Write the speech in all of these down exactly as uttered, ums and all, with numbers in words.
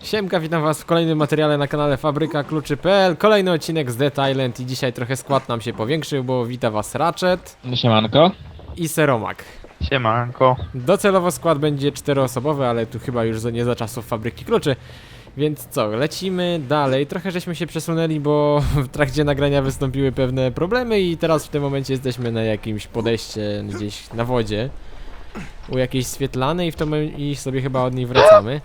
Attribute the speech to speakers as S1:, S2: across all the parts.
S1: Siemka, witam was w kolejnym materiale na kanale Fabryka Kluczy kropka p l. Kolejny odcinek z Dead Island i dzisiaj trochę skład nam się powiększył, bo wita was Ratchet
S2: Siemanko
S1: i Seromak.
S3: Siemanko.
S1: Docelowo skład będzie czteroosobowy, ale tu chyba już nie za czasów Fabryki Kluczy. Więc co, lecimy dalej. Trochę żeśmy się przesunęli, bo w trakcie nagrania wystąpiły pewne problemy i teraz w tym momencie jesteśmy na jakimś podejście gdzieś na wodzie. U jakiejś Swietlany i w to my i sobie chyba od niej wracamy.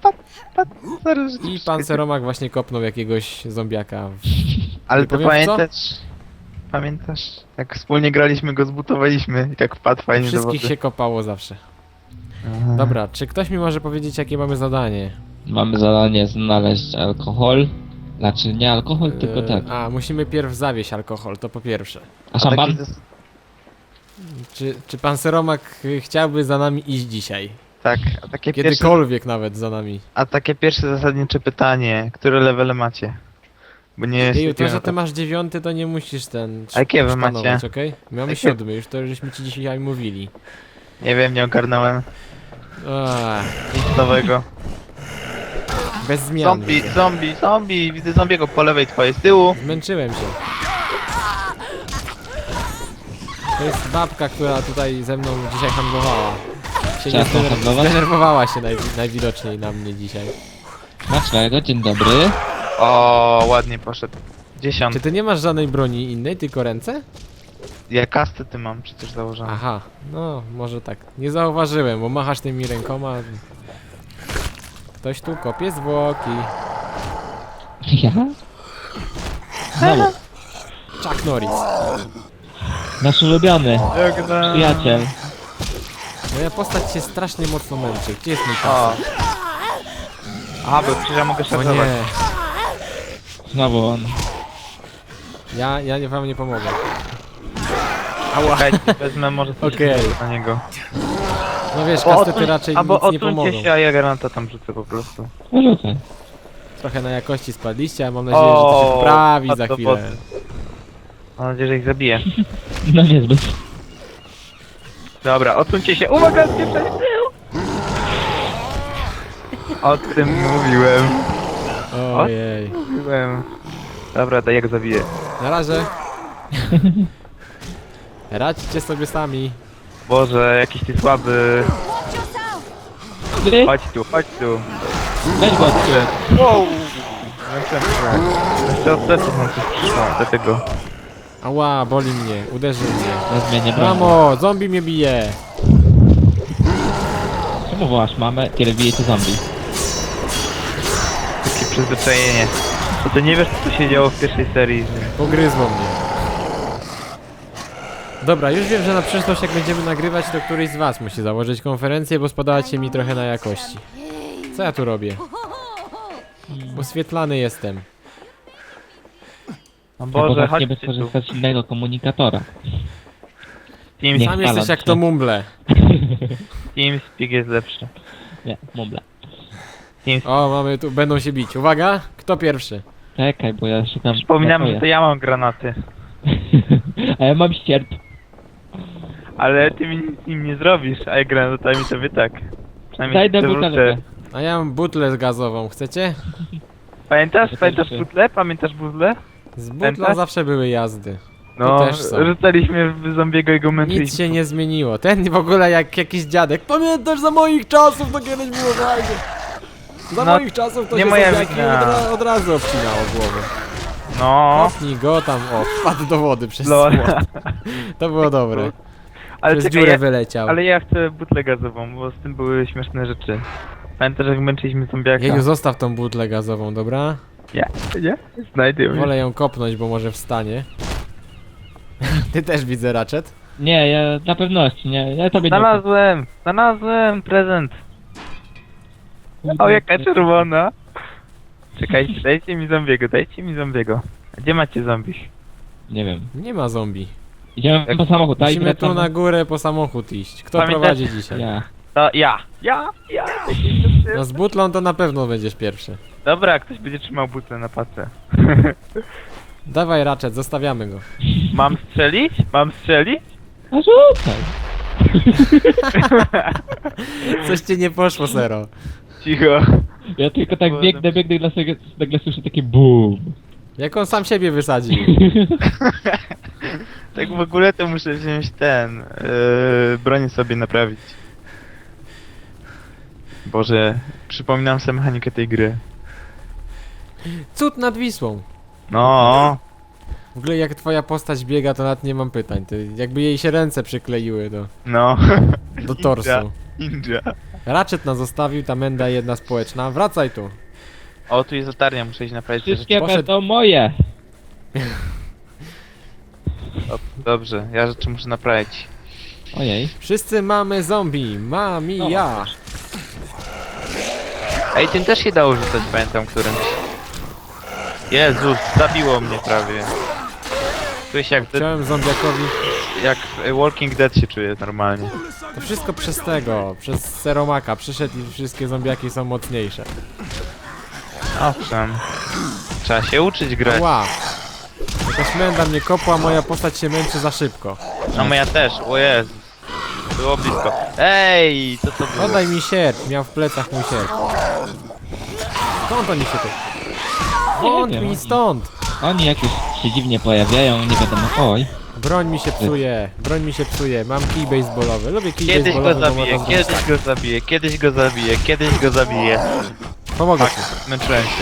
S1: I pan Seromak właśnie kopnął jakiegoś zombiaka. W...
S3: Ale
S1: Nie
S3: to
S1: powiem w co?
S3: pamiętasz? Pamiętasz? Jak wspólnie graliśmy, go zbutowaliśmy i tak wpadł fajnie do
S1: Wszystkich
S3: wody.
S1: się kopało zawsze.
S3: Aha.
S1: Dobra, czy ktoś mi może powiedzieć, jakie mamy zadanie?
S2: Mamy zadanie znaleźć alkohol. Znaczy nie alkohol, tylko
S1: Eee,
S2: tak.
S1: A, musimy pierw zawieść alkohol, to po pierwsze.
S2: A
S3: A
S2: szampan?
S3: taki zas-
S1: Czy, czy pan Seromak y, chciałby za nami iść dzisiaj?
S3: Tak, a takie, pierwsze,
S1: Kiedykolwiek nawet za nami.
S3: a takie pierwsze zasadnicze pytanie, które levele macie? Bo nie jest...
S1: Jeju, to, że ty masz dziewiąty, to nie musisz ten...
S3: A jakie wy
S1: szpanować,
S3: macie?
S1: okej? My mamy
S3: Jakie?
S1: siódmy, już to żeśmy ci dzisiaj mówili.
S3: Nie wiem, nie ogarnąłem.
S1: Ach,
S3: Nic nowego.
S1: bez zmian.
S3: Zombie, zombie, zombie! Widzę zombiego po lewej twojej, z tyłu.
S1: Zmęczyłem się. To jest babka, która tutaj ze mną dzisiaj handlowała. Się nie
S2: Chciała
S1: zdener-
S2: handlować?
S1: zdenerwowała się naj najwidoczniej na mnie dzisiaj.
S2: Smacznego, dzień dobry.
S3: O, ładnie poszedł. Dziesiąt.
S1: Czy ty nie masz żadnej broni innej, tylko ręce?
S3: Ja kasty ty mam przecież założone.
S1: Aha, no może tak. Nie zauważyłem, bo machasz tymi rękoma. Ktoś tu kopie zwłoki.
S2: Ja? Znowu.
S1: Chuck Norris.
S2: Nasz ulubiony
S3: Jak na...
S2: przyjaciel.
S1: Moja postać się strasznie mocno męczy. Gdzie jest mój
S3: O.
S1: pas?
S3: Aha, bo przecież ja mogę
S1: O
S3: szarżować.
S1: nie,
S2: Znowu on.
S1: ja, ja nie- wam nie pomogę.
S3: Czekajcie, wezmę może coś
S1: Okej.
S3: na niego.
S1: No wiesz,
S3: O,
S1: kastety
S3: odsuń-
S1: raczej
S3: albo
S1: nic nie pomogą.
S3: odsuńcie się, a ja granata tam rzucę po prostu.
S2: Rzucaj.
S1: Trochę na jakości spadliście, a mam nadzieję, że to się
S3: O,
S1: poprawi
S3: padł
S1: za
S3: do
S1: chwilę.
S3: wody. Mam nadzieję, że ich zabiję.
S2: No niezbyt.
S3: Dobra, odsuńcie się. Uwaga, spieprzaj z tyłu! O tym mówiłem.
S1: Ojej.
S3: Mówiłem. Dobra, daj jak zabiję.
S1: Na razie. Radźcie sobie sami.
S3: Boże, jakiś ty słaby.
S2: Dobry.
S3: Chodź tu, chodź tu.
S2: Weź go.
S3: Wow! Jeszcze od pleców mam coś przyszło, dlatego.
S1: Ała, boli mnie, uderzy mnie.
S2: Na zmianie broni.
S1: Mamo, zombie mnie bije.
S2: Czemu wołasz mamę, kiedy bijecie zombie?
S3: Takie przyzwyczajenie. Bo ty nie wiesz, co tu się działo w pierwszej serii.
S1: Pogryzło mnie. Dobra, już wiem, że na przyszłość jak będziemy nagrywać, to któryś z was musi założyć konferencję, bo spadacie mi trochę na jakości. Co ja tu robię? Oswietlany jestem.
S3: O
S2: Albo
S3: Boże,
S2: właśnie
S3: chodźcie
S2: by
S3: tu.
S2: skorzystać z innego komunikatora.
S3: Team,
S2: Nie.
S1: Sam jesteś
S2: Balon
S1: jak
S2: się.
S1: to mumble.
S3: TeamSpeak jest lepszy.
S2: Nie, mumble.
S3: TeamSpeak.
S1: O, mamy tu, będą się bić. Uwaga, kto pierwszy?
S2: Czekaj, bo ja szukam...
S3: Przypominam, że
S2: napoja.
S3: to ja mam granaty.
S2: A ja mam ścierp.
S3: Ale ty mi nic nim nie zrobisz, a jak granatami to wy tak. Przynajmniej
S2: Daj
S3: się
S2: do
S3: wrócę.
S2: butelkę.
S1: A ja mam butlę gazową, chcecie?
S3: Pamiętasz?
S2: To
S3: Pamiętasz
S2: pierwszy.
S3: butle? Pamiętasz butle?
S1: Z butlą
S3: Pamiętasz?
S1: zawsze były jazdy.
S3: No,
S1: też są.
S3: rzucaliśmy w zombiego i go
S1: Nic
S3: męczyliśmy.
S1: się nie zmieniło. Ten w ogóle jak jakiś dziadek. Pamiętasz, za moich czasów to kiedyś było fajnie. Za
S3: No,
S1: moich czasów to
S3: nie
S1: się
S3: moja
S1: zombiaki
S3: wina.
S1: od, ra od razu obcinało głowę.
S3: No,
S1: Kopnij go tam, o, wpadł do wody przez
S3: lol.
S1: słod. To było dobre.
S3: Ale
S1: Przez
S3: czekaj,
S1: dziurę
S3: ja,
S1: wyleciał.
S3: ale ja chcę butlę gazową, bo z tym były śmieszne rzeczy. Pamiętasz, jak męczyliśmy zombiaka?
S1: Jeju, zostaw tą butlę gazową, dobra?
S3: Nie, nie? Znajdę ją.
S1: Wolę ją kopnąć, bo może wstanie. Ty też widzę, Ratchet.
S2: Nie, ja na pewności, nie, ja tobie nie
S3: Znalazłem! Znalazłem prezent!
S2: ufam.
S3: O, jaka czerwona! Czekajcie, dajcie mi zombiego, dajcie mi zombiego. A gdzie macie zombich?
S2: Nie wiem.
S1: Nie ma zombie.
S2: Idziemy
S3: Jak-
S2: po samochód, a i
S1: Musimy tu
S2: wracamy.
S1: na górę po samochód iść. Kto
S3: Pamiętacie-
S1: prowadzi dzisiaj?
S2: Ja.
S3: To ja! Ja! Ja!
S1: No z butlą to na pewno będziesz pierwszy.
S3: Dobra, ktoś będzie trzymał butlę na pace.
S1: Dawaj, Ratchet, zostawiamy go.
S3: Mam strzelić? Mam strzelić?
S2: A rzucaj.
S1: Coś ci nie poszło, Sero.
S3: Cicho.
S2: Ja tylko tak
S3: Bo-
S2: biegnę, biegnę i nagle, nagle słyszę takie BUM.
S1: Jak on sam siebie wysadził.
S3: Tak w ogóle to muszę wziąć ten, yy, broń sobie naprawić. Boże, przypominam sobie mechanikę tej gry.
S1: Cud nad Wisłą.
S3: No,
S1: W ogóle jak twoja postać biega, to nawet nie mam pytań. To jakby jej się ręce przykleiły do,
S3: no.
S1: do torsu.
S3: Ninja.
S1: Ratchet nas zostawił, ta menda jedna społeczna. Wracaj tu.
S3: O, tu jest latarnia, muszę iść naprawić te rzeczy.
S2: Wszystkie
S1: poszedł.
S2: będą moje.
S3: O, dobrze, ja rzeczy muszę naprawić.
S2: Ojej.
S1: Wszyscy mamy zombie. Mami, ja.
S3: Ej, tym też się dało rzucać, pamiętam którymś. Jezus, zabiło mnie prawie. Czuję się jak, de-
S1: Chciałem zombiakowi.
S3: jak w Walking Dead się czuję normalnie.
S1: To wszystko przez tego, przez Seromaka. Przyszedł i wszystkie zombiaki są mocniejsze.
S3: Owszem. Trzeba się uczyć grać.
S1: Ła. Jakaś menda mnie kopła, moja postać się męczy za szybko.
S3: No moja też, o Jezus. Było blisko. Ej, co to było?
S1: Oddaj mi sierp, miał w plecach mój sierp. Skąd oni się tu? Wąt
S2: wiem.
S1: mi stąd!
S2: Oni jakoś się dziwnie pojawiają, nie wiadomo. Oj.
S1: Broń mi się psuje, broń mi się psuje, mam kij baseballowy, lubię kij
S3: Kiedyś go
S1: baseballowy, bo
S3: zabiję,
S1: można
S3: kiedyś go zabiję, kiedyś go zabiję, kiedyś go zabiję.
S1: Pomogę
S3: Tak,
S1: ci.
S3: męczyłem się.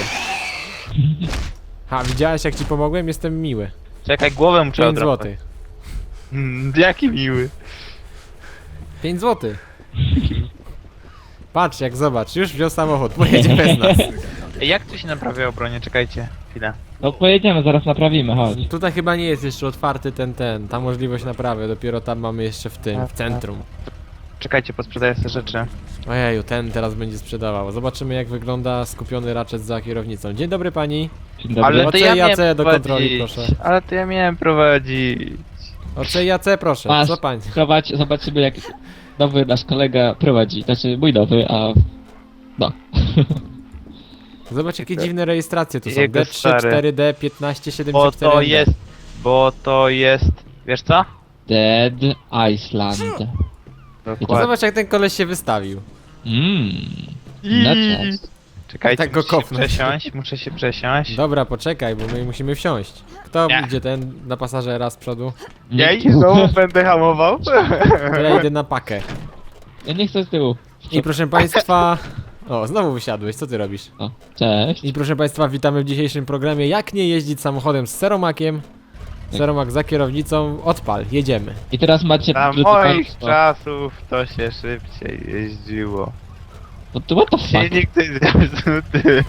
S1: Ha, widziałeś jak ci pomogłem? Jestem miły.
S3: Czekaj, głowę muszę
S1: pięć
S3: odrapać.
S1: złotych.
S3: Mm, jaki miły.
S1: pięć złotych. Patrz jak zobacz, już wziął samochód, pojedzie bez nas.
S3: Ej, jak tu się naprawia bronię? Czekajcie, chwilę.
S2: No pojedziemy, zaraz naprawimy, chodź.
S1: Tutaj chyba nie jest jeszcze otwarty ten, ten, ta możliwość naprawy, dopiero tam mamy jeszcze w tym, w centrum.
S3: Czekajcie, posprzedaję sobie rzeczy.
S1: Ojeju, ten teraz będzie sprzedawał. Zobaczymy jak wygląda skupiony Ratchet za kierownicą. Dzień dobry pani.
S2: Dzień dobry.
S3: Ale
S1: O
S3: to
S1: C
S3: ja
S1: i A C
S3: miałem
S1: do kontroli,
S3: prowadzić.
S1: proszę.
S3: Ale to ja miałem prowadzić.
S1: O C i A C proszę,
S2: Masz,
S1: co pani?
S2: prowadź, zobaczymy jak nowy nasz kolega prowadzi. Znaczy mój nowy, a... No.
S1: Zobacz jakie dziwne rejestracje tu są.
S3: Jego
S1: D trzy,
S3: stary.
S1: cztery D, piętnaście,
S3: Bo
S1: siedemdziesiąt cztery.
S3: to jest... Bo to jest... Wiesz co?
S2: Dead Iceland.
S3: Dokładnie.
S1: Zobacz jak ten koleś się wystawił.
S2: Mmm. No cześć.
S3: Czekajcie,
S1: Tak go
S3: muszę się
S1: kopnąć.
S3: przesiąść, muszę się przesiąść.
S1: Dobra, poczekaj, bo my musimy wsiąść. Kto
S3: Nie.
S1: idzie ten na pasażera z przodu?
S3: Ja i znowu będę hamował.
S1: To ja idę na pakę.
S2: Ja nie chcę z tyłu.
S1: I proszę państwa... O, znowu wysiadłeś, co ty robisz?
S2: O, cześć.
S1: I proszę państwa, witamy w dzisiejszym programie Jak nie jeździć samochodem z Seromakiem. Seromak za kierownicą, odpal, jedziemy.
S2: I teraz macie...
S3: Za
S2: drodzy
S3: moich
S2: państwo-
S3: czasów to się szybciej jeździło.
S2: What the- What the fuck?
S3: Silnik to jest zepsuty.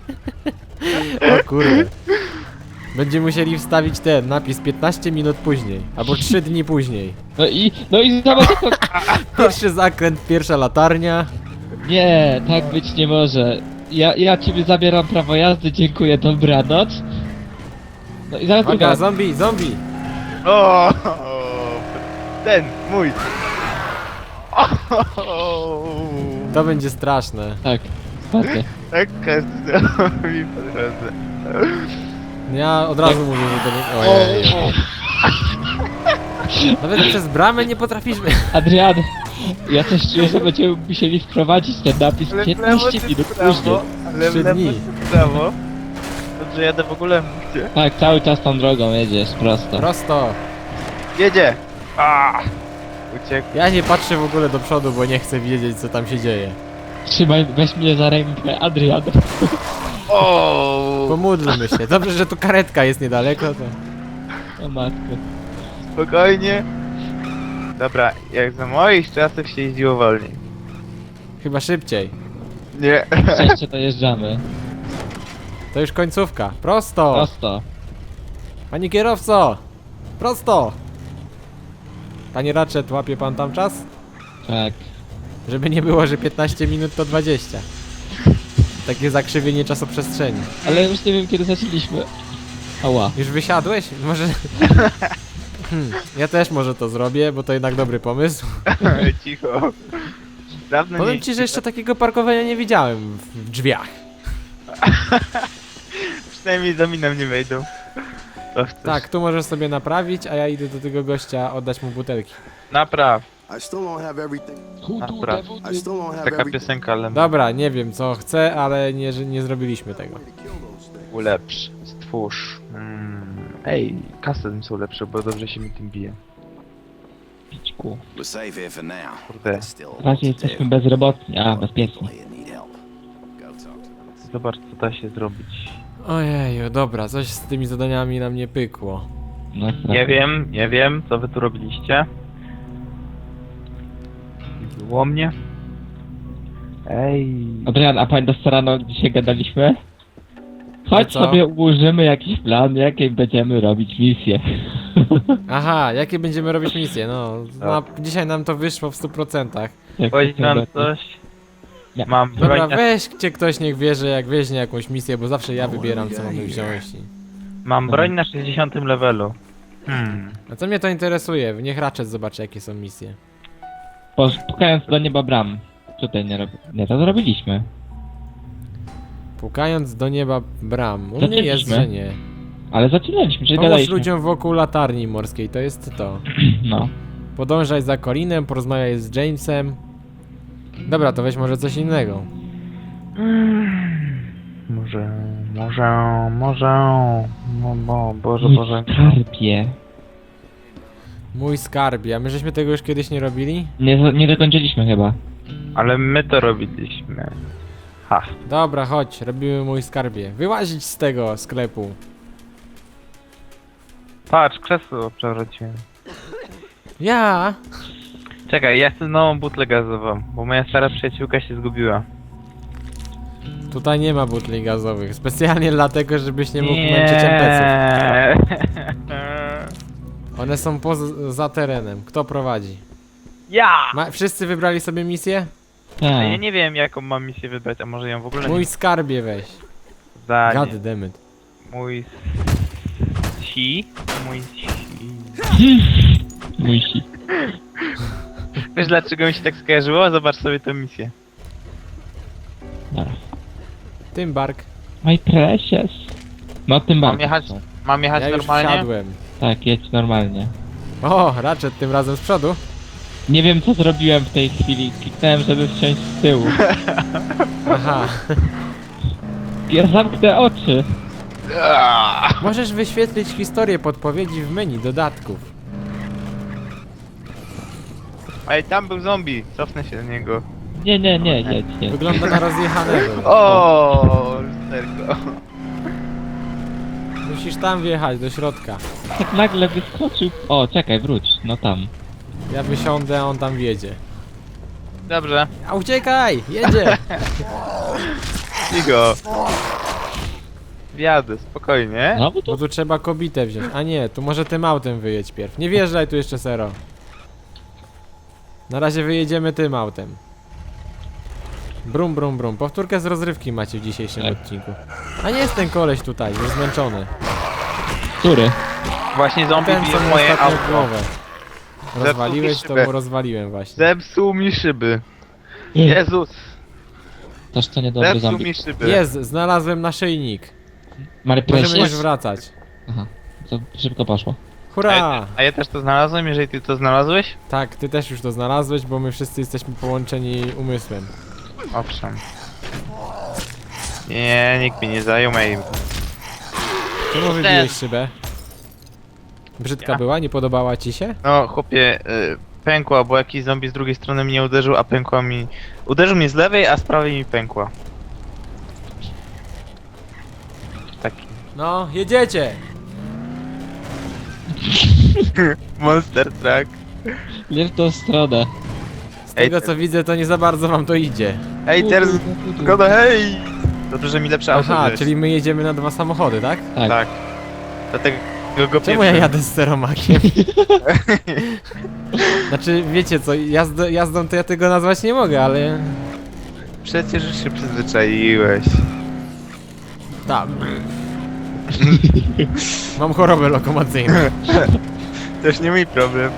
S1: O kurde. Będziemy musieli wstawić ten napis piętnaście minut później, albo trzy dni później.
S2: No i... No i zobacz to...
S1: Pierwszy zakręt, pierwsza latarnia.
S2: Nie, tak być nie może. Ja, ja ciebie zabieram prawo jazdy, dziękuję, dobranoc. No i zaraz
S1: Uwaga,
S2: druga.
S1: zombie, zombie.
S3: O, ten, mój. O,
S1: To będzie straszne.
S2: Tak, patrzę.
S3: taka zombie po drodze.
S1: Ja od razu mówię, że to nie... Ojej. Nawet przez bramę nie potrafisz...
S2: Adrian, ja też czuję, że będziemy musieli wprowadzić ten napis
S3: Ale w lewo
S2: piętnaście
S3: czy
S2: minut
S3: w prawo?
S2: później.
S3: Ale w
S1: Trzy
S3: lewo
S1: dni.
S3: czy w prawo? Dobrze, jadę w ogóle gdzie?
S2: Tak, cały czas tą drogą jedziesz, prosto.
S1: Prosto.
S3: Jedzie! A, uciekł.
S1: Ja nie patrzę w ogóle do przodu, bo nie chcę wiedzieć co tam się dzieje.
S2: Trzymaj, weź mnie za rękę, Adrian.
S3: O,
S1: Pomódlmy się. Dobrze, że tu karetka jest niedaleko, to...
S2: O matko.
S3: spokojnie. Dobra, jak za moich czasów się jeździło wolniej.
S1: Chyba szybciej.
S3: Nie.
S2: Szczęście dojeżdżamy.
S1: To już końcówka. Prosto!
S2: Prosto.
S1: Panie kierowco! Prosto! Panie Ratchet, łapie pan tam czas?
S2: Tak.
S1: Żeby nie było, że piętnaście minut to dwadzieścia. Takie zakrzywienie czasoprzestrzeni.
S2: Ale już nie wiem kiedy zaczęliśmy. Ała.
S1: Już wysiadłeś? Może... Hmm, ja też może to zrobię, bo to jednak dobry pomysł.
S3: Cicho. Dawno
S1: Powiem
S3: nie
S1: ci, że jeszcze takiego parkowania nie widziałem w, w drzwiach.
S3: Przynajmniej za miną nie wejdą. To chcesz.
S1: Tak, tu możesz sobie naprawić, a ja idę do tego gościa oddać mu butelki.
S3: Napraw.
S4: I still don't have everything.
S2: Who do
S3: Akurat.
S2: the
S4: I still don't have
S3: Taka
S4: everything
S3: piosenka, ale
S1: Dobra, nie wiem co chcę, ale nie, że nie zrobiliśmy tego.
S4: to kill those things.
S3: ulepsz, stwórz. Mm. Ej, custom są lepsze, bo dobrze się mi tym bije.
S2: pićku?
S5: We're safe here for now.
S3: Kurde,
S5: There's still
S2: W razie jesteśmy bezrobotni, a bezpieczni.
S5: here need help. Go talk to them.
S3: zobacz co da się zrobić.
S1: Ojeju, dobra, coś z tymi zadaniami nam nie pykło.
S2: No,
S3: Nie wiem, nie wiem, co wy tu robiliście. Nie było mnie. Ej.
S2: Adrian, a pamiętasz co rano dzisiaj gadaliśmy? Chodź
S1: co?
S2: sobie ułożymy jakiś plan, jakiej będziemy robić misję.
S1: Aha, jakie będziemy robić misje? No, na, dzisiaj nam to wyszło w stu procentach.
S2: Jak
S3: Powiedz
S2: to
S3: nam
S2: będzie.
S3: coś.
S2: Nie.
S3: Mam
S1: Dobra,
S3: broń, na,
S1: weźcie ktoś niech wie, że jak weźmie jakąś misję, bo zawsze ja wybieram co mamy wziąć. I...
S3: mam broń na sześćdziesiątym levelu. Hmm.
S1: A co mnie to interesuje? Niech Ratchet zobaczy jakie są misje.
S2: Pukając do nieba bram. Tutaj nie robi... Nie, to zrobiliśmy.
S1: Pukając do nieba bram. U mnie
S2: Zaczęliśmy.
S1: jest, że nie.
S2: Ale zaczynaliśmy, czyli
S1: Pomóż
S2: gadaliśmy.
S1: ludziom wokół latarni morskiej, to jest to.
S2: No.
S1: Podążaj za Colinem, porozmawiaj z Jamesem. Dobra, to weź może coś innego.
S3: Może, może, może. No bo, Boże,
S2: Mój
S3: Boże.
S2: skarbie.
S1: Mój skarbie, a my żeśmy tego już kiedyś nie robili?
S2: Nie, nie dokończyliśmy chyba.
S3: Ale my to robiliśmy. Ha.
S1: Dobra, chodź, robimy mój skarbie. Wyłazić z tego sklepu.
S3: Patrz, krzesło przewróciłem.
S1: Ja!
S3: Czekaj, ja chcę nową butlę gazową, bo moja stara przyjaciółka się zgubiła.
S1: Tutaj nie ma butli gazowych. Specjalnie dlatego, żebyś nie mógł męczyć em pe ców. One są poza terenem. Kto prowadzi?
S3: Ja!
S1: Ma, wszyscy wybrali sobie misję?
S3: A ja
S2: Tak.
S3: nie wiem jaką mam misję wybrać, a może ją w ogóle
S1: Mój
S3: nie
S1: skarbie weź.
S3: za
S1: God
S3: nie.
S1: damn it.
S3: Mój si? Mój si.
S2: Mój si.
S3: Wiesz dlaczego mi się tak skojarzyło? Zobacz sobie tę misję.
S2: Dobra.
S1: Tym bark.
S2: My precious. No tym
S3: Mam
S2: bardziej.
S3: jechać, mam jechać
S1: Ja już
S3: normalnie?
S1: wsiadłem.
S2: Tak, jedź normalnie.
S1: O, Ratchet tym razem z przodu.
S2: Nie wiem co zrobiłem w tej chwili. Kliknąłem, żeby wsiąść z tyłu.
S1: Aha.
S2: Ja zamknę oczy.
S1: Możesz wyświetlić historię podpowiedzi w menu dodatków.
S3: Ej, tam był zombie, cofnę się do niego.
S2: Nie, nie, nie, jedź, jedź.
S1: Wygląda na rozjechanego.
S3: O, lusterko.
S1: Musisz tam wjechać, do środka.
S2: Tak nagle wyskoczył. O, czekaj, wróć. No tam.
S1: Ja wysiądę, a on tam wjedzie.
S3: Dobrze,
S1: A uciekaj! Jedzie!
S3: cicho. Wjadę, spokojnie.
S2: No bo
S1: Bo
S2: to...
S1: tu trzeba kobitę wziąć. A nie, tu może tym autem wyjedź pierw. Nie wjeżdżaj tu jeszcze, Sero. Na razie wyjedziemy tym autem. Brum, brum, brum. Powtórkę z rozrywki macie w dzisiejszym
S2: Tak.
S1: odcinku. A nie jest ten koleś tutaj, już zmęczony.
S2: Który?
S3: Właśnie zombie
S1: Ten,
S3: bije
S1: co
S3: w
S1: mu
S3: moje
S1: ostatnio w
S3: auto.
S1: głowę. Rozwaliłeś,
S3: mi
S1: to
S3: szybę.
S1: mu rozwaliłem właśnie.
S3: Zepsuł mi szyby. Jezus,
S2: Toż to niedobry
S3: zepsuł
S2: zombie.
S3: mi szyby.
S1: Jest, znalazłem naszyjnik.
S2: My
S1: Możemy już
S2: precious.
S1: wracać.
S2: Aha, to szybko poszło.
S1: Hurra!
S3: A ja też to znalazłem, jeżeli ty to znalazłeś?
S1: Tak, ty też już to znalazłeś, bo my wszyscy jesteśmy połączeni umysłem.
S3: Owszem. Nie, nikt mi nie zajął mojej.
S1: Czemu wybiłeś szybę? Brzydka
S3: Ja?
S1: była? Nie podobała ci się?
S3: No, chłopie, y, pękła, bo jakiś zombie z drugiej strony mnie uderzył, a pękła mi... Uderzył mnie z lewej, a z prawej mi pękła. Taki...
S1: No, jedziecie!
S3: Monster Truck.
S2: Nie w tą stronę.
S1: Z
S3: Ej,
S1: tego
S3: te-
S1: co widzę, to nie za bardzo wam to idzie.
S3: Ej, teraz... Zgoda, hej! Dobrze, że mi lepsze auto
S1: Aha,
S3: wziąłeś.
S1: czyli my jedziemy na dwa samochody, tak?
S2: Tak.
S3: Tak. Dlatego go
S1: Czemu ja
S3: pierwszy-
S1: jadę z steromakiem? Znaczy, wiecie co, jazd jazdą to ja tego nazwać nie mogę, ale...
S3: Przecież już się przyzwyczaiłeś.
S1: Tak. Mam chorobę lokomocyjną.
S3: Też nie mój problem.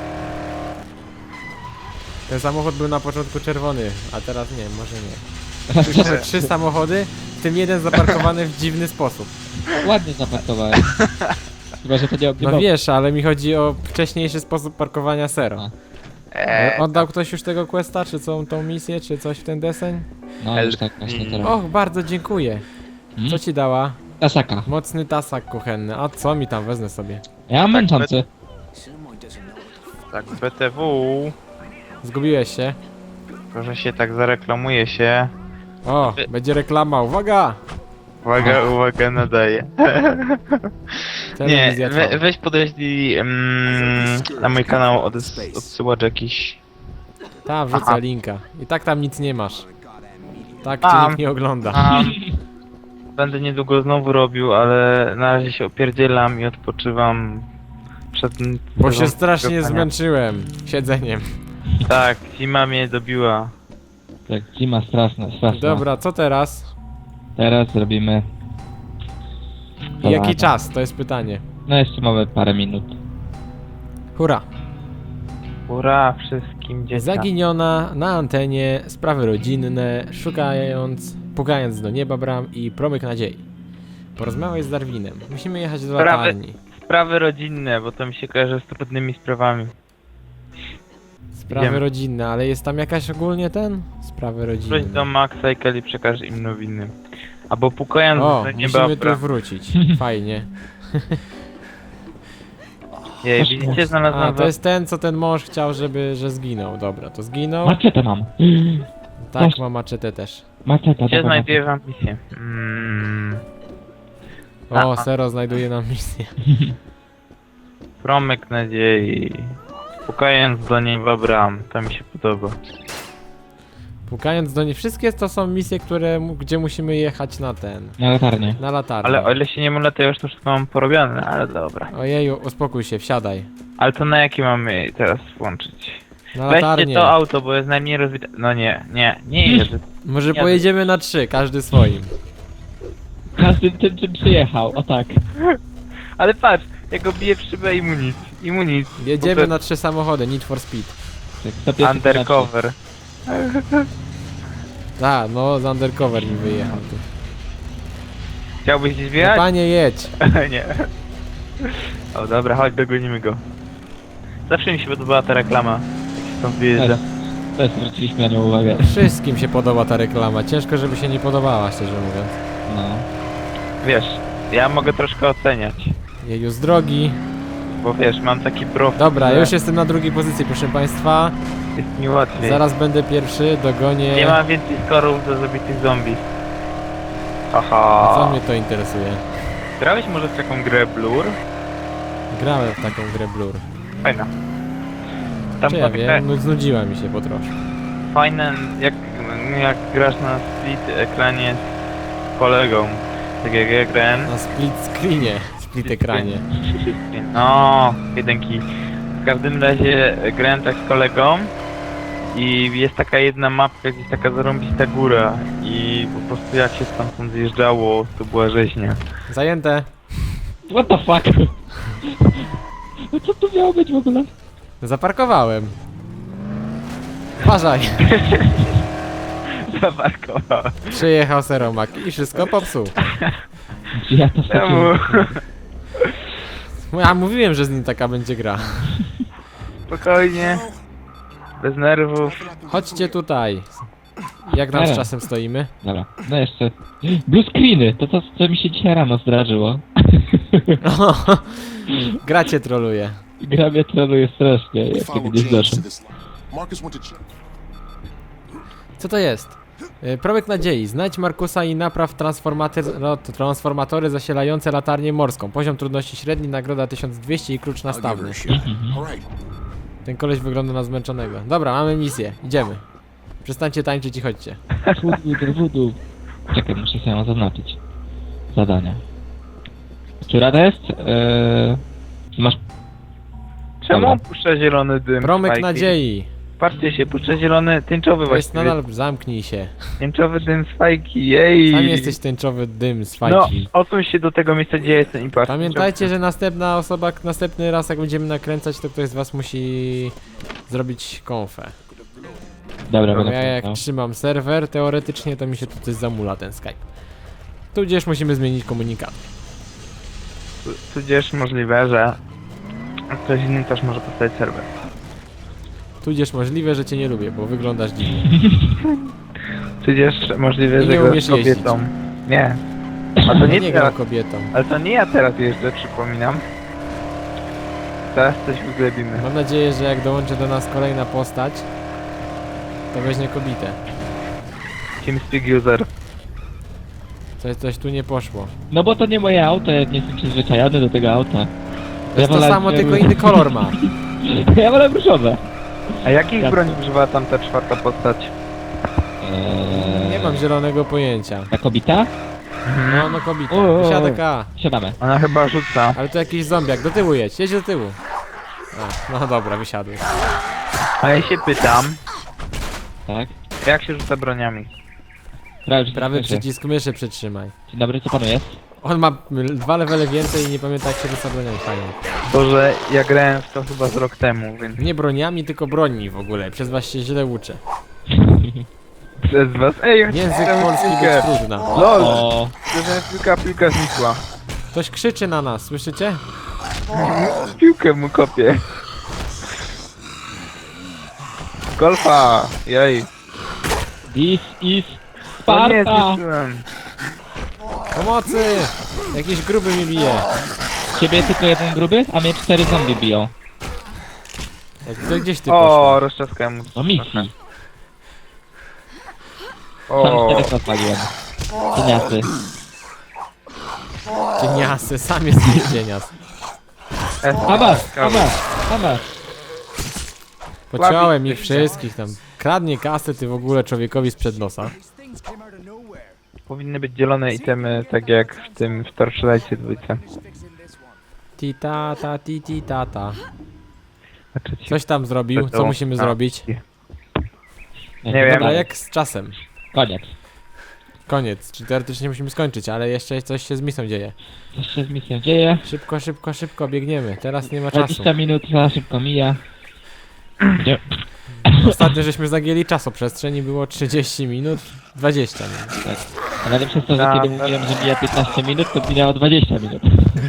S1: Ten samochód był na początku czerwony, a teraz nie, może nie. Tu mamy trzy samochody, w tym jeden zaparkowany w dziwny sposób.
S2: Ładnie zaparkowałem. Chyba, że to nie
S1: No
S2: ogniwo.
S1: wiesz, ale mi chodzi o wcześniejszy sposób parkowania Sero.
S2: A.
S3: Eee,
S1: Oddał ktoś już tego questa, czy co, tą misję, czy coś w ten deseń?
S2: No już tak właśnie teraz.
S1: Och, bardzo dziękuję.
S2: Hmm?
S1: Co ci dała?
S2: Tasaka.
S1: Mocny tasak kuchenny. A co mi tam wezmę sobie?
S2: Ja mam męczący.
S3: tak, B T W.
S1: Zgubiłeś się?
S3: Proszę się tak zareklamuje się.
S1: O, będzie reklama, uwaga!
S3: Uwaga, uwaga, nadaje. Nie,
S1: Telewizja
S3: we,
S1: trwa.
S3: weź podejrzyj mm, na mój kanał od, odsyłacz jakiś.
S1: Ta, wrzucę
S3: Aha.
S1: linka. I tak tam nic nie masz. Tak
S3: Mam.
S1: cię nikt nie ogląda.
S3: A, będę niedługo znowu robił, ale na razie się opierdzielam i odpoczywam przed tym.
S1: Bo się
S3: sezonem
S1: strasznie
S3: grania.
S1: zmęczyłem siedzeniem.
S3: Tak, zima mnie dobiła.
S2: Tak, zima straszna, straszna.
S1: Dobra, co teraz?
S2: Teraz zrobimy...
S1: I jaki
S2: Kolana.
S1: czas? To jest pytanie.
S2: No jeszcze mamy parę minut.
S1: Hurra!
S3: Ura wszystkim dzieciom.
S1: Zaginiona na antenie, sprawy rodzinne, szukając, pukając do nieba bram i promyk nadziei. Porozmawiaj z Darwinem. Musimy jechać do
S3: Sprawy-
S1: latarni.
S3: Sprawy rodzinne, bo to mi się kojarzy z trudnymi sprawami.
S1: Sprawy
S3: Idziemy.
S1: rodzinne, ale jest tam jakaś ogólnie ten? Sprawy
S3: Wróć do
S1: rodzinne.
S3: Maxa i Kelly przekaż im nowiny. Albo pukając
S1: O,
S3: do nieba
S1: musimy tu
S3: bram.
S1: wrócić. Fajnie.
S3: Jej, widzicie, znalazłem
S1: A, to
S3: was-
S1: jest ten, co ten mąż chciał, żeby, że zginął. Dobra, to zginął.
S2: Maczetę mam.
S1: Tak,
S2: Masz-
S1: ma maczetę też.
S2: Maczeta,
S3: Gdzie
S2: dobra.
S3: znajduję wam misję? Mm,
S1: O,
S3: Aha.
S1: Sero znajduje nam misję.
S3: promyk nadziei. Pukając do nieba bram. To mi się podoba.
S1: Pukając do niej. Wszystkie to są misje, które, mu- gdzie musimy jechać na ten.
S2: Na latarnię.
S1: Na latarnię.
S3: Ale o ile się nie mylę, to już to wszystko mam porobione, ale dobra.
S1: Ojeju, uspokój się, wsiadaj.
S3: Ale to na jaki mamy teraz włączyć?
S1: Na
S3: Weźcie
S1: latarnię.
S3: to auto, bo jest najmniej rozwite. No nie, nie, nie jeżdżę.
S1: Może
S3: Nie,
S1: pojedziemy na trzy, każdy swoim.
S2: Każdy tym, czym przyjechał, o tak.
S3: Ale patrz, ja go biję w szybę i mu nic. I mu nic.
S1: Jedziemy
S3: Bo
S1: na trzy samochody, Need for Speed.
S2: Tak,
S3: to
S2: to pierwszy
S3: undercover.
S1: A, no z undercover mi wyjechał tu.
S3: Chciałbyś gdzieś
S1: No,
S3: wjechać?
S1: panie, jedź.
S3: Nie. O dobra, chodź, dogonimy go. Zawsze mi się podobała ta reklama, jak się stąd wyjeżdża.
S2: Też, też zwróciliśmy na nią uwagę.
S1: Wszystkim się podoba ta reklama. Ciężko, żeby się nie podobała, szczerze mówiąc.
S2: No.
S3: Wiesz, ja mogę troszkę oceniać,
S1: Jeju, z drogi.
S3: bo wiesz, mam taki profil,
S1: Dobra,
S3: że
S1: już jestem na drugiej pozycji, proszę państwa.
S3: jest mi łatwiej.
S1: Zaraz będę pierwszy, dogonię.
S3: Nie ma więcej skorów do zabitych zombie.
S1: A
S3: Aha.
S1: co mnie to interesuje?
S3: Grałeś może w taką grę Blur?
S1: Grałem w taką grę Blur.
S3: Fajna. Tam
S1: Czy
S3: są
S1: ja
S3: takie
S1: wiem, no, znudziła mi się po troszkę.
S3: fajne, jak, jak grasz na split ekranie z kolegą. Tak jak ja grałem.
S1: Na split screenie, split ekranie.
S3: No, jedynki. W każdym razie grałem tak z kolegą i jest taka jedna mapka, gdzieś taka zarąbista góra i po prostu jak się stamtąd zjeżdżało, to była rzeźnia.
S1: Zajęte.
S2: What the fuck? No co tu miało być w ogóle?
S1: Zaparkowałem. Uważaj.
S3: Zaparkowałem.
S1: Przyjechał Seromak i wszystko popsuł.
S2: Czy ja to
S3: Czemu?
S1: Ja mówiłem, że z nim taka będzie gra.
S3: Spokojnie. Bez nerwów.
S1: Chodźcie tutaj. Jak tam z
S2: Nie.
S1: czasem stoimy?
S2: Dobra, no jeszcze... Blue screeny! To to, co mi się dzisiaj rano zdarzyło.
S1: Gra cię troluje.
S2: Gra mnie troluje strasznie, jak
S4: Follow
S2: kiedy nie
S4: James
S2: zdarzę.
S4: to this line. Marcus went to ch-
S1: Co to jest? E, Promyk nadziei. Znajdź Markusa i napraw transformaty- no, transformatory zasilające latarnię morską. Poziom trudności średni, nagroda tysiąc dwieście i klucz
S4: I'll give her
S1: nastawny.
S4: a shot. All right.
S1: Ten koleś wygląda na zmęczonego. Dobra, mamy misję. Idziemy. Przestańcie tańczyć i chodźcie.
S2: Wudu do wudu. Czekaj, muszę sobie ją zaznaczyć. Zadania. Która to jest? Eee... Masz...
S3: Czemu
S2: Dobra.
S3: puszcza zielony dym?
S1: Promyk
S3: Spajki?
S1: nadziei.
S3: Patrzcie się, puszcza zielony, tęczowy
S1: To jest
S3: właściwie.
S1: nadal... Zamknij się.
S3: Tęczowy dym z fajki, jej!
S1: Sam jesteś tęczowy dym z
S3: No,
S1: fajki.
S3: odsuń się do tego miejsca, gdzie jestem i patrz.
S1: Pamiętajcie, że następna osoba, następny raz jak będziemy nakręcać, to ktoś z was musi zrobić konfę.
S2: Dobra,
S1: Bo
S2: będę
S1: ja jak
S2: pamiętał.
S1: trzymam serwer, teoretycznie to mi się tu coś zamula ten Skype. Tudzież musimy zmienić komunikat.
S3: Tu- Tudzież możliwe, że ktoś inny też może postawić serwer.
S1: Tudzież możliwe, że cię nie lubię, bo wyglądasz dziwnie.
S3: Przecież możliwe,
S1: I
S3: że
S1: nie
S3: grasz
S1: umiesz
S3: kobietą. Nie. A to
S1: Ja
S3: nie
S1: nie gram
S3: teraz,
S1: kobietą.
S3: ale to nie ja teraz jeżdżę, przypominam. Teraz coś wyglebimy.
S1: Mam nadzieję, że jak dołączy do nas kolejna postać, to weźmie kobietę.
S3: TeamSpeak user.
S1: Coś, coś tu nie poszło.
S2: No bo to nie moje auto, ja nie jestem przyzwyczajony do tego auta.
S1: To jest to
S2: wolę-
S1: samo, tylko inny kolor ma.
S2: Ja wolę różowe.
S3: A jakich
S2: Jak
S3: broni
S2: to?
S3: używa tam ta czwarta postać?
S2: Eee,
S1: Nie mam zielonego pojęcia.
S2: Ta kobita?
S1: No, no kobieta.
S2: O, o, o.
S1: Wysiada K.
S2: Siadamy.
S3: Ona chyba rzuca.
S1: Ale to jakiś zombiak. Do tyłu jedź, jedź do tyłu. A, no dobra, wysiadł.
S3: A ja się pytam,
S2: Tak.
S3: jak się rzuca broniami?
S2: Prawy przycisk
S1: Prawy
S2: myszy.
S1: przycisk myszy przytrzymaj.
S2: Dzień dobry, co panu jest?
S1: On ma mm, dwa levele więcej i nie pamięta jak się rzuca broniami. Fajnie.
S3: To, że ja grałem w to chyba z rok temu, więc
S1: Nie broniami, tylko broni w ogóle. Przez was się źle uczę.
S3: przez was... Ej,
S1: Język
S3: chciałem
S1: polski
S3: piłkę.
S1: być trudna.
S3: LOL!
S2: O,
S3: Że piłka, piłka znikła.
S1: Ktoś krzyczy na nas, słyszycie?
S3: Piłkę mu kopię. Golfa! Jej.
S2: this is
S3: O nie,
S2: Sparta!
S3: zniszczyłem.
S1: Pomocy! Jakiś gruby mi bije.
S2: Ciebie tylko jeden gruby, a mnie cztery zombie biją.
S1: Jak to gdzieś ty
S3: O,
S1: poszła?
S3: rozczaskałem mu.
S2: O misji. Sam
S3: O,
S2: czterech rozwaliłem. Cieniasy.
S1: Cieniasy, sam jest cienias.
S2: Amas, amas, amas.
S1: Pociąłem ich
S3: jesteście.
S1: wszystkich tam. Kradnie kasę ty w ogóle człowiekowi sprzed nosa.
S3: powinny być dzielone itemy, tak jak w tym w Torchlightie dwójce.
S1: Ti tata, ti ti tata.
S3: Znaczy ci-
S1: Coś tam zrobił, co musimy
S3: A.
S1: zrobić?
S3: Nie wiem.
S1: Dobra, jak z czasem.
S2: Koniec.
S1: Koniec, czy teoretycznie musimy skończyć, ale jeszcze coś się z misją dzieje.
S2: Co się z misją dzieje?
S1: Szybko, szybko, szybko biegniemy, teraz nie ma czasu.
S2: dwadzieścia minut za szybko mija. Nie.
S1: Ostatnio żeśmy zagięli czasoprzestrzeń i było trzydzieści minut, dwadzieścia minut.
S2: Tak. A nawet przez to, że
S3: Tak,
S2: kiedy
S3: tak.
S2: mówiłem, że mija piętnaście minut, to minęło dwadzieścia minut.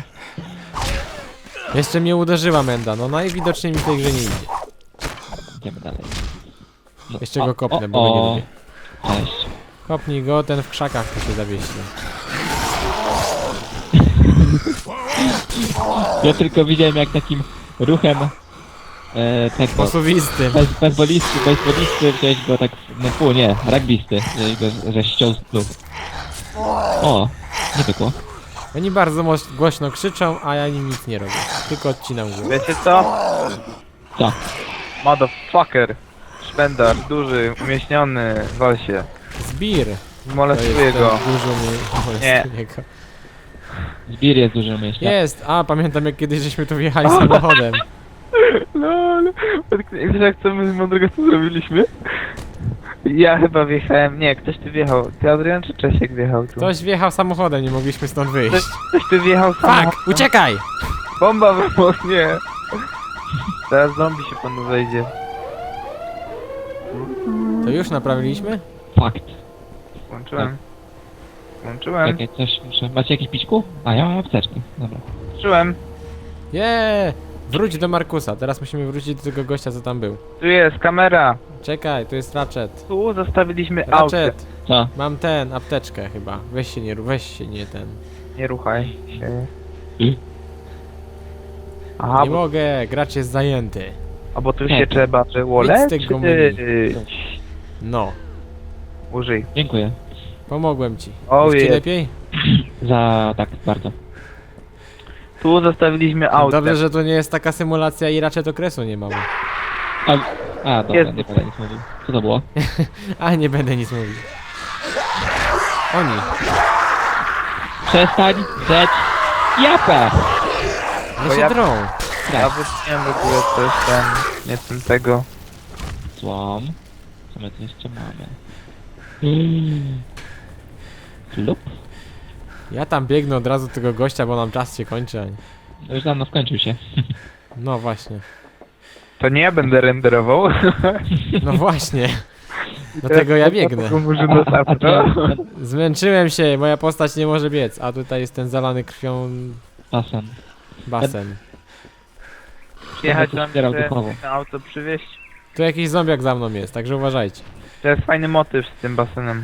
S1: Jeszcze mnie uderzyła Menda, no najwidoczniej mi w tej grze nie idzie.
S2: Idziemy dalej. No,
S1: Jeszcze
S2: o,
S1: go kopnę,
S2: o,
S1: bo go nie
S2: o.
S1: lubię.
S2: Cześć.
S1: Kopnij go, ten w krzakach to się zawiesi.
S2: Ja tylko widziałem jak takim ruchem e, tego
S1: Posuwisty.
S2: bez, bezbolisty, bezbolisty wziąłeś go tak, no pół nie, rugbysty, wziąłeś go, że ściął z klub. O, nie pykło.
S1: Oni bardzo mos- głośno krzyczą, a ja im nic nie robię. Tylko odcinam głowę.
S3: Wiecie co?
S2: Co?
S3: Motherfucker. Szpendar, duży, umieśniony, wal się.
S1: Zbir. To
S3: Molestuję
S1: jest
S3: go.
S1: ten dużo mi molestuje go.
S2: Zbir jest duży myślę.
S1: Jest! A, pamiętam jak kiedyś żeśmy tu wjechali samochodem.
S3: Lol. Wiesz jak co my z mądrego co zrobiliśmy? Ja chyba wjechałem, nie, ktoś tu wjechał. Ty Adrian czy Czesiek wjechał tu?
S1: Ktoś wjechał samochodem, nie mogliśmy stąd
S3: Ktoś,
S1: wyjść.
S3: ktoś tu wjechał sam.
S1: Fuck! Uciekaj!
S3: Bomba wybuchła, nie. Teraz zombie się panu wejdzie.
S1: To już naprawiliśmy?
S2: Fakt.
S3: Włączyłem. Włączyłem.
S2: Czekaj, coś muszę... Macie jakieś pićku? A, ja mam apteczkę. Dobra.
S3: Włączyłem.
S1: Jeee! Wróć do Markusa, teraz musimy wrócić do tego gościa, co tam był.
S3: Tu jest kamera.
S1: Czekaj, tu jest Ratchet.
S3: Tu zostawiliśmy auto.
S1: Ratchet!
S2: Co?
S1: Mam ten, apteczkę chyba. Weź się nie, ru- weź się nie ten.
S3: Nie ruchaj się.
S2: I?
S3: Aha,
S1: Nie
S3: bo,
S1: mogę, gracz jest zajęty.
S3: a bo tu
S2: Nie.
S3: się trzeba było
S1: Wyjdź z tego
S3: leczyć.
S1: No,
S3: Użyj.
S2: Dziękuję.
S1: pomogłem ci.
S3: O,
S1: Już ci
S3: jest.
S1: lepiej?
S2: Za... tak, bardzo.
S3: Tu zostawiliśmy auto.
S1: Dobrze, że to nie jest taka symulacja i Ratchet okresu nie mamy.
S2: A, a dobra,
S3: Jest.
S2: nie będę nic mówił. Co to było?
S1: A, nie będę nic mówił. Oni.
S2: Przestań drzeć japę!
S1: Nie
S3: Bo
S1: się
S3: ja-
S1: drą.
S3: Ja wróciłem w ogóle coś tam, nie tym tego.
S2: Złom. Co my tu jeszcze mamy? Mm. Lub?
S1: Ja tam biegnę od razu do tego gościa, bo nam czas się kończy. a nie-
S2: No już dawno skończył się.
S1: No właśnie.
S3: To nie ja będę renderował.
S1: No właśnie. Dlatego ja biegnę.
S3: Może do
S2: A, a,
S3: sapra.
S1: Zmęczyłem się, moja postać nie może biec, a tutaj jest ten zalany krwią
S2: Basen.
S1: basen.
S3: Przyjechać
S2: Będę
S3: do
S2: tu wspierał
S3: mnie,
S2: duchowo.
S3: na auto przywieźć.
S1: Tu jakiś zombiak za mną jest, także uważajcie.
S3: To jest fajny motyw z tym basenem.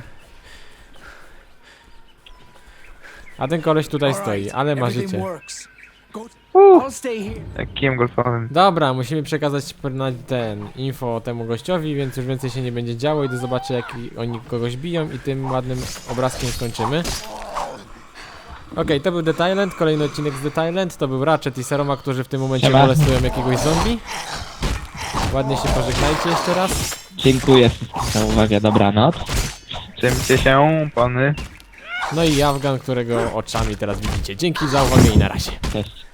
S1: A ten koleś tutaj
S4: All
S1: stoi,
S4: right,
S1: ale ma
S4: everything
S1: życie.
S4: works. Go. I'll stay here.
S3: Jak kijem golfowym.
S1: Dobra, musimy przekazać na ten info temu gościowi, więc już więcej się nie będzie działo. Idę zobaczę, jak i- oni kogoś biją i tym ładnym obrazkiem skończymy. Okej, to był The Thailand, kolejny odcinek z The Thailand. To był Ratchet i Seroma, którzy w tym momencie
S2: Siema.
S1: molestują jakiegoś zombie. Ładnie się pożegnajcie jeszcze raz.
S2: Dziękuję wszystkim za uwagę, dobranoc.
S3: Czymcie się, pany?
S1: No i Afgan, którego oczami teraz widzicie. Dzięki za uwagę i na razie.
S2: Cześć.